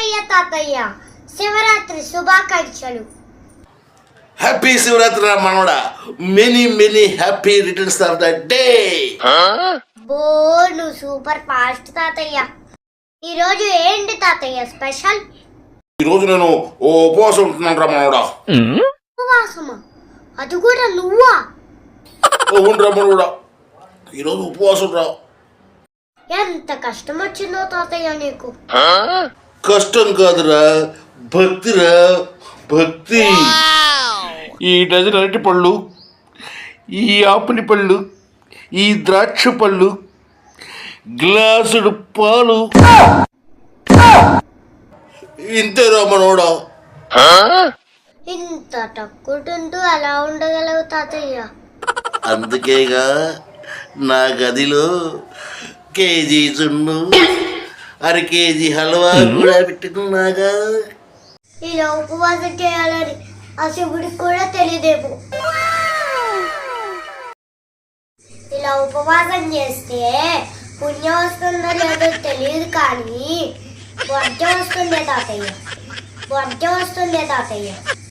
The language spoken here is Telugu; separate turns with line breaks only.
తాతయ్య శివరాత్రి శుభాకాంక్షలు.
హ్యాపీ శివరాత్రి రా మనవడా. Many happy returns of the day.
బో నువ్వు సూపర్ ఫాస్ట్ తాతయ్య. ఈరోజు ఏంటి తాతయ్య స్పెషల్?
ఈరోజు నేను ఓ ఉపవాసం ఉంటున్నాను రా మనవడా.
ఉపవాసమా? అది కూడా నువ్వా?
అవును రా మనవడా, ఈరోజు ఉపవాసం రా.
ఎంత కష్టం వచ్చిందో తాతయ్య నీకు.
కష్టం కాదురా, భక్తిరా, భక్తి. ఈ డజన్ అరటి పళ్ళు, ఈ ఆపిలి పళ్ళు, ఈ ద్రాక్ష పళ్ళు, గ్లాసుడు పాలు, ఇంతేరా మనోడా.
ఇంత తక్కువ అలా ఉండగలవు తాతయ్య?
అందుకేగా నా గదిలో కేజీ చున్ను, అర కేజీ హల్వా కూడా పెట్టుకున్నాగా.
ఇలా ఉపవాసం చేయాలని ఆ శివుడికి కూడా తెలియదేమో. ఇలా ఉపవాసం చేస్తే పుణ్యం వస్తుందో లేదో తెలియదు, కానీ వర్జం వస్తుందే తాతయ్య, వర్జం వస్తుందే తాతయ్య.